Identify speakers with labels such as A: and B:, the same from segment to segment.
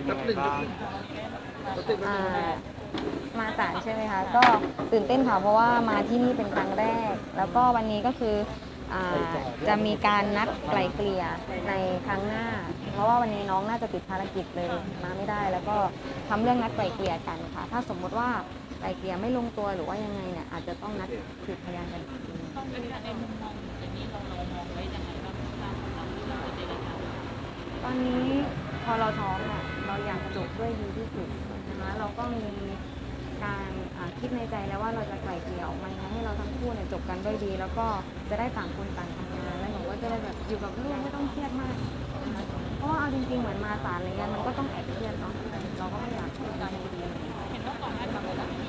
A: เป็นยังไงบ้าง
B: อ่ามาศาลใช่ไหมคะก็ตื่นเต้นค่ะเพราะว่ามาที่นี่เป็นครั้งแรกแล้วก็วันนี้ก็คืออ่จะมีการนัดไกล่เกลี่ยในครั้งหน้าเพราะว่าวันนี้น้องน่าจะติดภารกิจเลยมาไม่ได้แล้วก็ทำเรื่องนัดไกล่เกลี่ยกันค่ะถ้าสมมติว่าไกล่เกลี่ยไม่ลงตัวหรือว่ายังไงเนี่ยอาจจะต้องนัดสืบพยานกันอีกทีนึงตอนนี้พอเราท้องอ่ะเราอยากจบด้วยดีที่สุดนะคะเราก็มีการคิดในใจแล้วว่าเราจะไกล่เกลี่ยออกมายังไงให้เราทั้งคู่เนี่ยจบกันด้วยดี แล้วก็จะได้ต่างคนต่างทำงานแล้วหนูก็จะได้แบบอยู่กับลูกไม่ต้องเครียดมากนะคะเพราะว่าเอาจริงๆเหมือนมาศาลอะไรเงี้ยมันก็ต้องแอบเครียดเนาะเราก็ไม่อยากทำการดีเห็นว่าก่อนหน้านี้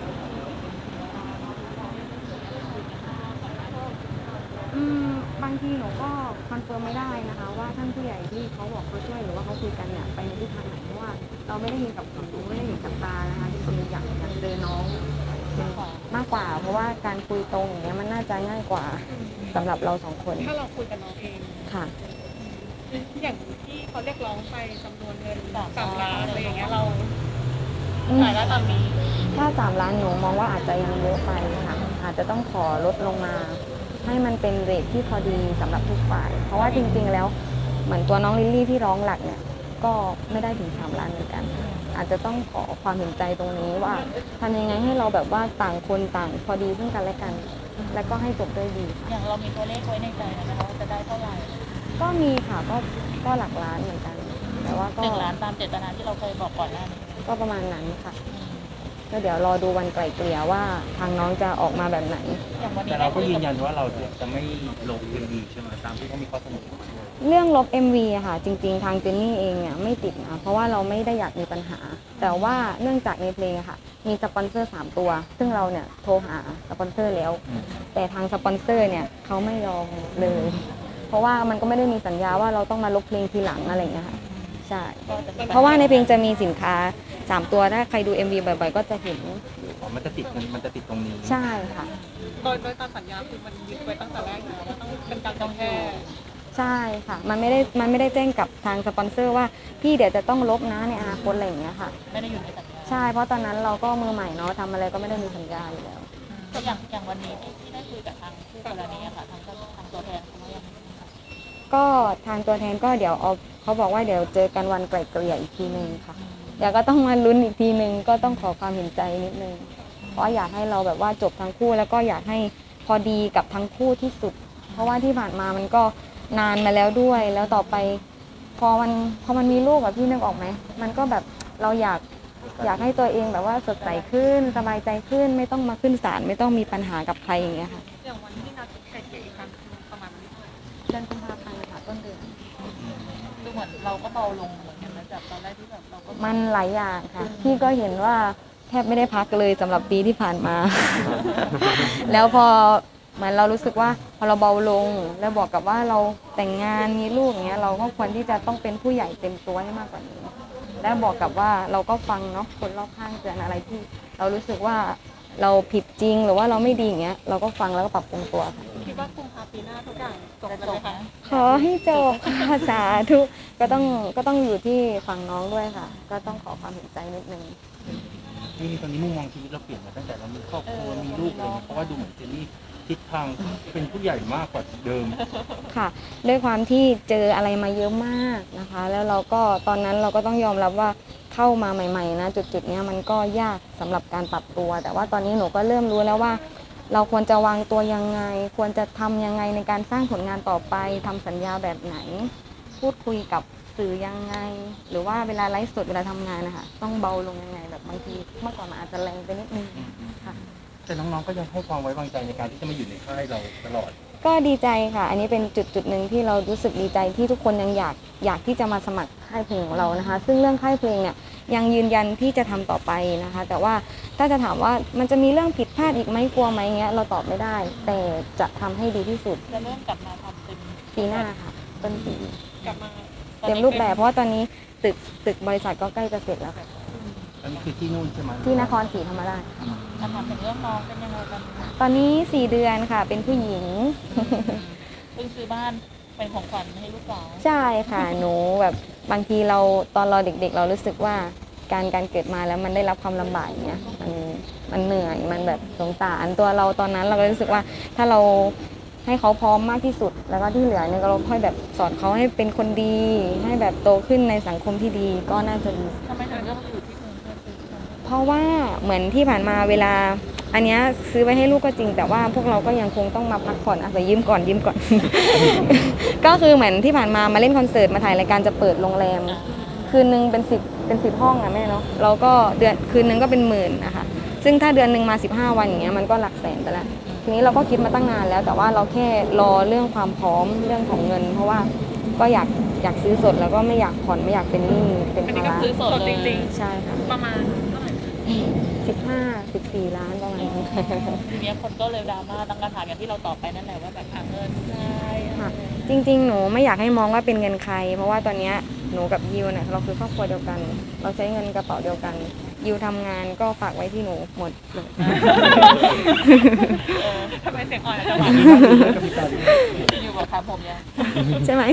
B: บางทีหนูก็คอนเฟิร์มไม่ได้นะคะว่าท่านผู้ใหญ่ที่เขาบอกเขาช่วยหรือว่าเขาคุยกันเนี่ยไปในทิศทางไหนเพราะว่าเราไม่ได้ยินกับหูไม่ได้เห็นกับตานะคะจริงๆอยากเจอน้องเป็นมากกว่าเพราะว่าการคุยตรงอย่างเงี้ยมันน่าจะง่ายกว่าสำหรับเราสองคน
C: ถ้าเราคุยกับน้องเอง
B: ค่ะ
C: อย่างที่เขาเรียกร้องไปจำนวนเงิน3 ล้านอะไรอย่างเงี้ยเราจ่ายได้ตามนี้
B: ถ้า3 ล้านหนูมองว่าอาจจะยังเยอะไปค่ะอาจจะต้องขอลดลงมาให้มันเป็นเรทที่พอดีสำหรับทุกฝ่ายเพราะว่าจริงๆแล้วเหมือนตัวน้องลิลลี่ที่ร้องหลักเนี่ยก็ไม่ได้ถึง3 ล้านเหมือนกันอาจจะต้องขอความเห็นใจตรงนี้ว่าทำยังไงให้เราแบบว่าต่างคนต่างพอดีซึ่งกันและกันแล้วก็ให้จบด้วยดี
C: อย่างเรามีตัวเลขไว้ในใจนะคะว่าจะได้เท่าไหร่
B: ก็มีค่ะก็หลักล้านเหมือนกันแต่ว่าก็
C: 1 ล้านตามเจตนาที่เราเคยบอกก่อนหน้านี้
B: ก็ประมาณนั้นค่ะก็เดี๋ยวรอดูวันไกล่เกลี่ยว่าทางน้องจะออกมาแบบไหน
A: แต่เราก็ยืนยันว่าเราจะไม่ลงเพลงดีใช่ไหมตามที่เขามีข้อเสนอมาด้วย
B: เรื่องลบ MV อะค่ะจริงๆทางเจนนี่เองเนี่ยไม่ติดนะเพราะว่าเราไม่ได้อยากมีปัญหาแต่ว่าเนื่องจากในเพลงอะค่ะมีสปอนเซอร์3ตัวซึ่งเราเนี่ยโทรหาสปอนเซอร์แล้วแต่ทางสปอนเซอร์เนี่ยเขาไม่ยอมเลยเพราะว่ามันก็ไม่ได้มีสัญญาว่าเราต้องมาลบเพลงทีหลังอะไรอย่างเงี้ยค่ะใช่เพราะว่าในเพลงจะมีสินค้า3ตัวถ้าใครดู MV บ่อยๆก็จะเห็น
A: มันจะติดตรงนี้
B: ใช่ค่ะ
C: โดยตามสัญญาคือมันยึดไว้ตั้งแต่แรกอยู่แล้วว่าต้องเป็นการต้องแค่
B: ใช่ค่ะมันไม่ได้แจ้งกับทางสปอนเซอร์ว่าพี่เดี๋ยวจะต้องลบนะในอนาคตอะไรอย่างเงี้ยค่ะ
C: ไม่ได้อยู่ในสัญญา
B: ใช่เพราะตอนนั้นเราก็มือใหม่เนาะทำอะไรก็ไม่ได้มีสัญญาอยู่แล้ว
C: อย่างวันนี้ที่ได้คุยกับทางคู่กรณีค่ะทางตัวแทนเขาว่ายังไง
B: ก็ทางตัวแทนก็เดี๋ยวเขาบอกว่าเดี๋ยวเจอกันวันไกล่เกลี่ยอีกทีนึงค่ะเดี๋ยวก็ต้องมาลุ้นอีกทีนึงก็ต้องขอความเห็นใจนิดนึงเพราะอยากให้เราแบบว่าจบทั้งคู่แล้วก็อยากให้พอดีกับทั้งคู่ที่สุดเพราะว่าที่ผ่านมามันก็นานมาแล้วด้วยแล้วต่อไปพอมันมีลูกแบบพี่นึกออกไหมมันก็แบบเราอยากให้ตัวเองแบบว่าสดใสขึ้นสบายใจขึ้นไม่ต้องมาขึ้นศาลไม่ต้องมีปัญหากับใครอย่างเงี้ยค่ะ
C: อย่างวันที่นัดไกลเกลี่ยอีกครั้งประมาณ
B: เดือนกุมภาพันธ์ค่ะต้นเดือน
C: ดูเหมือนเราก็เบาลงเหมือนกันนะจากตอนแรกที่แบบเราก็
B: มันหลายอย่างค่ะพี่ก็เห็นว่าแทบไม่ได้พักเลยสำหรับปีที่ผ่านมา แล้วพอเหมือนเรารู้สึกว่าพอเราเบาลงแล้วบอกกับว่าเราแต่งงานมีลูกอย่างเงี้ยเราก็ควรที่จะต้องเป็นผู้ใหญ่เต็มตัวให้มากกว่านี้แล้วบอกกับว่าเราก็ฟังเนาะคนรอบข้างเตือนอะไรที่เรารู้สึกว่าเราผิดจริงหรือว่าเราไม่ดีอย่างเงี้ยเราก็ฟังแล้วก็ปรับปรุงตัวค่ะ
C: คิดว่ากุมภาพันธ์ปีหน้าทุกอย่างจบไปเลยค่ะ
B: ขอให้จบค่ะสาธุก็ต้องอยู่ที่ฝั่งน้องด้วยค่ะก็ต้องขอความเห็นใจนิดนึง
A: นี่ตอนนี้มุมมองชีวิตเราเปลี่ยนมาตั้งแต่เรามีครอบครัวมีลูกเลยเพราะว่าดูเหมือนเจนนี่ทิศทางเป็นผู้ใหญ่มากกว่าเดิม
B: ค่ะด้วยความที่เจออะไรมาเยอะมากนะคะแล้วเราก็ตอนนั้นเราก็ต้องยอมรับว่าเข้ามาใหม่ๆนะจุดๆนี้มันก็ยากสำหรับการปรับตัวแต่ว่าตอนนี้หนูก็เริ่มรู้แล้วว่าเราควรจะวางตัวยังไงควรจะทำยังไงในการสร้างผลงานต่อไปทำสัญญาแบบไหนพูดคุยกับสื่อยังไงหรือว่าเวลาไลฟ์สดเวลาทำงานนะคะต้องเบาลงยังไงแบบบางทีเมื่อก่อนมันอาจจะแรงไปนิดนึงค่ะ
A: แต่น้องๆก็ยังให้ความไว้วางใจในการที่จะมาอยู่ในค่ายเราตลอด
B: ก็ดีใจค่ะอันนี้เป็นจุดหนึ่งที่เรารู้สึกดีใจที่ทุกคนยังอยากที่จะมาสมัครค่ายเพลงของเรานะคะซึ่งเรื่องค่ายเพลงเนี่ยยังยืนยันที่จะทำต่อไปนะคะแต่ว่าถ้าจะถามว่ามันจะมีเรื่องผิดพลาดอีกไหมกลัวไหมเงี้ยเราตอบไม่ได้แต่จะทำให้ดีที่สุด
C: จะเริ่มกลับมาทำเต็ม
B: ปีหน้าค่ะต้นปี
C: กลับมา
B: เต็มรูปแบบเพราะว่าตอนนี้ตึกบริษัทก็ใกล้จะเสร็จแล้วค่ะ
A: อันนี้คือที่นู่นใช่ไหม
B: ที่นครศรีธรรมราช
C: จะทำถึงเรื่องน้องเป็นยังไงกัน
B: ตอนนี้4 เดือนค่ะเป็นผู้หญิง
C: เพิ่งซื้อบ้าน
D: เป็นของขวัญให้ลูกสาว
B: ใช่ค่ะหนูแบบบางทีเราตอนเราเด็กๆ เรารู้สึกว่าการเกิดมาแล้วมันได้รับความลำบากอย่างเงี้ยมันเหนื่อยมันแบบสงสารตัวเราตอนนั้นเราก็รู้สึกว่าถ้าเราให้เขาพร้อมมากที่สุด แล้วก็ที่เหลือเนี่ยเราค่อยแบบสอนเขาให้เป็นคนดี ให้แบบโตขึ้นในสังคมที่ดีก็น่าจะดี
D: ทำไมถึงเลือกมาอยู่ที่กรุงเทพเป็นที่
B: เพราะว่าเหมือนที่ผ่านมาเวลาอันเนี้ยซื้อไว้ให้ลูกก็จริง แต่ว่าพวกเราก็ยังคงต้องมาพักผ่อนอาศัยยืมก่อน ก็คือเหมือนที่ผ่านมาเล่นคอนเสิร์ตมาถ่ายรายการจะเปิดโรงแรม คืนนึงเป็นสิบห้องอะแม่เนาะเราก็เดือนคืนนึงก็เป็นหมื่นนะคะซึ่งถ้าเดือนหนึ่งมา15 วันอย่างเงี้ยมันก็หลักแสนไปแล้วทีนี้เราก็คิดมาตั้งนานแล้ว แต่ว่าเราแค่รอเรื่องความพร้อมเรื่องของเงิน เพราะว่าก็อยากซื้อสดแล้วก็ไม่อยากผ่อนไม่อยากเป็นหนี้เป็น
C: อัน
B: ภา
C: นี้ก็
B: ระ
C: คือสดจริง
B: ใช่ค่ะ
C: ๆ ประมาณเท่าไหร่
B: 14 ล้านประมาณนี้
D: ทีเนี้ยคนก็เลยดราม่าตั้งคำถามอย่างที่เราตอบไปนั่นแหละว่าแบบเงินใช่
B: ค่ะจริงๆ หนูไม่อยากให้มองว่าเป็นเงินใคร เพราะว่าตอนเนี้ยหนูกับยิวเนี่ยเราคือครอบครัวเดียวกัน เราใช้เงินกระเป๋าเดียวกันยิวทำงานก็ฝากไว้ที่หนูหมดเลย
C: ทำไมเสียงอ่อนจังหวะ
D: อยู่กับครับผมเนี่ย
B: ใช่ไหม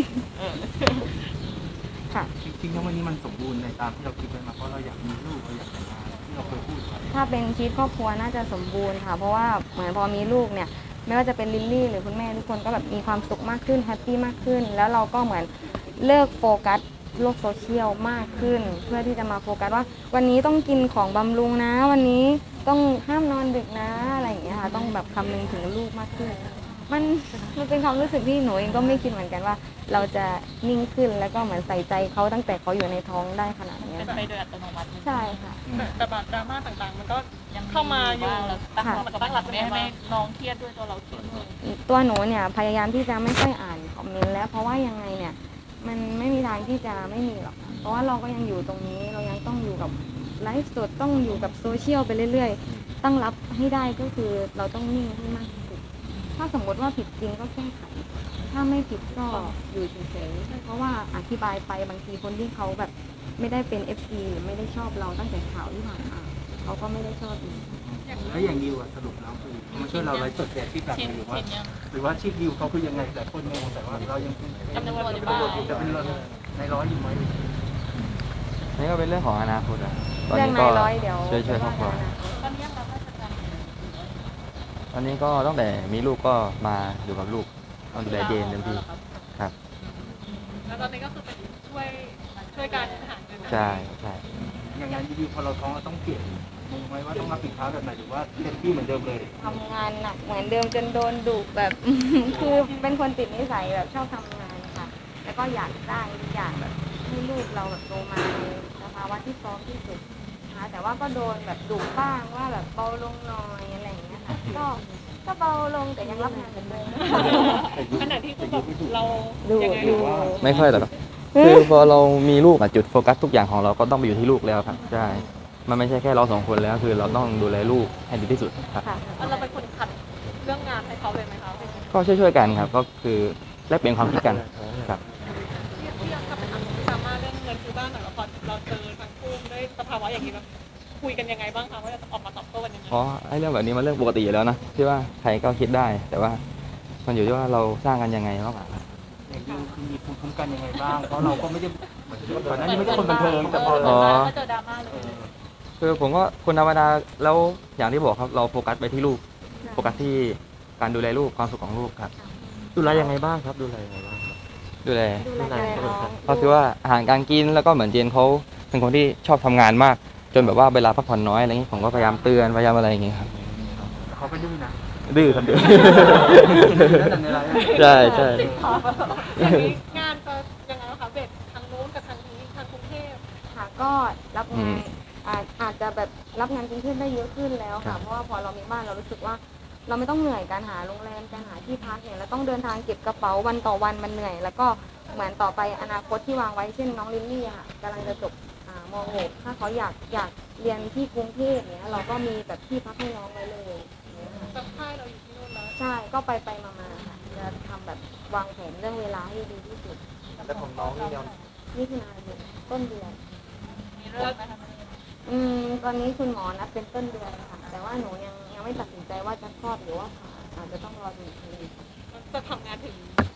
B: ค่ะ
A: จริงๆแล้ววันนี้มันสมบูรณ์ในตามที่เราคิดไว้มาเพราะเราอยากมีลูกเราอยากแต่งงานที่เราเคยพูดไว้
B: ถ้าเป็นชีวิตครอบครัวน่าจะสมบูรณ์ค่ะ เพราะว่าเหมือนพอมีลูกเนี่ยไม่ว่าจะเป็นลิลลี่หรือคุณแม่ทุกคนก็แบบมีความสุขมากขึ้นแฮปปี้มากขึ้น แล้วเราก็เหมือนเลิกโฟกัสโลกโซเชียลมากขึ้น เพื่อที่จะมาโฟกัสว่าวันนี้ต้องกินของบำรุงนะ วันนี้ต้องห้ามนอนดึกนะอะไรอย่างเงี้ยค่ะต้องแบบคำนึงถึงลูกมากขึ้น มันเป็นความรู้สึกที่หนูเองก็ไม่คิดเหมือนกันว่า เราจะนิ่งขึ้นแล้วก็เหมือนใส่ใจเขาตั้งแต่เขาอยู่ในท้องได้ขนาดเนี้ย
D: เป็น
B: ค่ะ
D: ไปโดยอัตโนมัติ
B: ใช่ค่ะ
C: แต่แบบดราม่าต่างๆ มันก็
D: ยัง
C: เข้ามาอยู่
D: บ้างแล้วตั้ง
B: ค่ะ
D: ตั้งหลักไม่ให้น้องเครียดด้วยตัวเราเครียดด้วย
B: ตัวหนูเนี่ยพยายามที่จะไม่ค่อยอ่านคอมเมนต์แล้วเพราะว่ายังไงเนี่ยมันไม่มีทางที่จะไม่มีหรอกเพราะว่าเราก็ยังอยู่ตรงนี้เรายังต้องอยู่กับไลฟ์สดต้องอยู่กับโซเชียลไปเรื่อยๆตั้งรับให้ได้ก็คือเราต้องนิ่งให้มากที่สุดถ้าสมมติว่าผิดจริงก็แก้ไขถ้าไม่ผิดก็อยู่เฉยๆเพราะว่าอธิบายไปบางทีคนที่เขาแบบไม่ได้เป็น FC หรือไม่ได้ชอบเราตั้งแต่ข่าวที่ผ่านมาเขาก็ไม่ได้ชอบอีก
A: แล้วอย่างดิวอะสรุปแล้วคือมาช่วยเราไลฟ์สดแต่ที่แบบ
D: ชิน
A: หรือว่า
D: ชินยัง
A: หรือว่าชีพดิวเขาคือยังไงหลายคนงงแต่ว่าเรายังเป็น
D: จำนวนอยู่บ้าง
A: จะเป็นในร้อยอยู่ไหม
E: นี่ก็เป็นเรื่องของอนาคตอะตอน
B: เรื่อง
E: นี้
B: นา
E: ก็
B: ยร้อยเดี๋ยว
E: ช่วยครอบครัว
D: ตอนนี้เราก็จะท
E: ตอนนี้ก็ตั้งแต่มีลูกก็มาอยู่กับลูกต้องดูแลเจนเต็มที่ครับ
C: แล้วตอนนี้ก็คือเป็นช่วยการหาเงิน
E: ใช่
A: อย่างงานดิวพอเราท้องเราต้องเปลี่ยนงงไหมว่าต้องรับผิดชอบแบบไหนหรือว่าเต็มที่เหมือนเดิมเลย
B: ทำงานหนักเหมือนเดิมจนโดนดุแบบ คือเป็นคนติดนิสัยแบบชอบทำงานค่ะ แล้วก็อยากสร้างทุกอย่างแบบให้ลูกเราแบบโตมาในสภาวะที่พร้อมที่สุดนะคะแต่ว่าก็โดนแบบดุบ้างว่าแบบเบาลงหน่อยอะไรอย่างเงี้ยค่ะก็เบาลงแต่ยังรับงานเหมือนเดิม
C: ขณะที่คือแบบเรา
B: ดู
C: ยังไง
B: ดู
E: ไม่ค่อยหรอกครับคือพอเรามีลูกอะจุดโฟกัสทุกอย่างของเราก็ต้องไปอยู่ที่ลูกแล้วครับใช่มันไม่ใช่แค่เราสองคนแล้วคือเราต้องดูแลลูกให้ดีที่สุดครับ
B: ค่ะ
C: เราเป็นคนขัดเรื่องงานให้เขาเลยไหมคะ
E: ก็ช่วยๆกันครับก็คือแลกเปลี่ยนความคิดกันครับ
C: ที่ยังกับดราม่าเรื่องเงินซื้อบ้านหน่อยว่าพอเราเจอทั้งคู่ด้วยสภาวะอย่างนี้แล้วคุยกันยังไงบ้างคะว่าจะออกมาตอบโต้กันยังไง
E: เพราะไอ้เรื่องแบบนี้มันเรื่องปกติอยู่แล้วนะที่ว่าใครก็คิดได้ แต่ว่ามันอยู่ที่ว่าเราสร้างกันยังไงมากกว่า
A: อย่างดิวคือมีภูมิคุ้มกันยังไงบ้างเพราะเราก็ไม่ได้ก่อนหน้านี้ไม่ใช่คนบันเทิงแต่พอ
E: อ๋อ
D: ก็เจอดราม่าเลย
E: คือผมก็คนธรรมดาแล้วอย่างที่บอกครับเราโฟกัสไปที่ลูกโฟกัสที่การดูแลลูกความสุขของลูกครับ
F: ดูแลยังไงบ้างครับดูแลยังไงบ้างครับ
E: ดูแล
B: ดูแลน้อง
E: ก็คือว่าอาหารการกินแล้วก็เหมือนเจนเขาเป็นคนที่ชอบทำงานมาก จนแบบว่าเวลาพักผ่อนน้อยอะไรอย่างนี้ผมก็พยายามเตือนพยายามอะไรอย่างนี้ครับ
A: เขาไปดื้อนะ
E: ดื้อครับดื้อ
A: แล้วแต่ในไลฟ์
E: ใช่ใช่
C: อย่างนี้งานจะยังไงคะเบ็ดทางนู้นกับทางนี้ทางกรุงเทพ
B: ค่ะก็รับงานอาจจะแบบรับงานกรุงเทพได้เยอะขึ้นแล้วค่ะเพราะว่าพอเรามีบ้านเรารู้สึกว่า เราไม่ต้องเหนื่อยการหาโรงแรมการหาที่พักเนี่ยเราต้องเดินทางเก็บกระเป๋าวันต่อวันมันเหนื่อย แล้วก็เหมือนต่อไปอนาคตที่วางไว้เช่นน้องลิลลี่อะค่ะกำลังจะจบม .6 ถ้าเขาอยากเรียนที่กรุงเทพเนี่ยเราก็มีแบบที่พักให้น้องไว้เลยอย่างเงี้ยค่ะ
C: กับค่ายเราอยู่ที่นู่นแล้ว
B: ใช่ก็ไปมาค่ะจะทำแบบวางแผนเรื่องเวลาให้ดีที่สุด
F: แล้วของน้องนี่เนี่ย
B: นี่คือนายนต้นเดือน
D: มีเรื่องไหมคะ
B: ตอนนี้คุณหมอนัดเป็นต้นเดือนค่ะ แต่ว่าหนูยังไม่ตัดสินใจว่าจะคลอดหรือว่าผ่าอาจจะต้องรอดูอีกที
C: จะทำงานถึง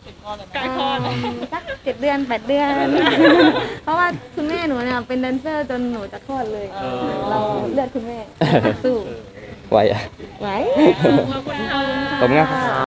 D: ถึงคลอดเลย
C: ใกล้
D: นะ
C: คลอด
B: สัก7 เดือน 8 เดือน เพราะว่าคุณแม่หนูเนี่ยเป็นแดนเซอร์จนหนูจะคลอดเลย เราเลือดคุณแม่สู้
E: ไหวอ่ะ
B: ไหว
C: ขอบคุณค่ะ
E: ขอบคุณครับ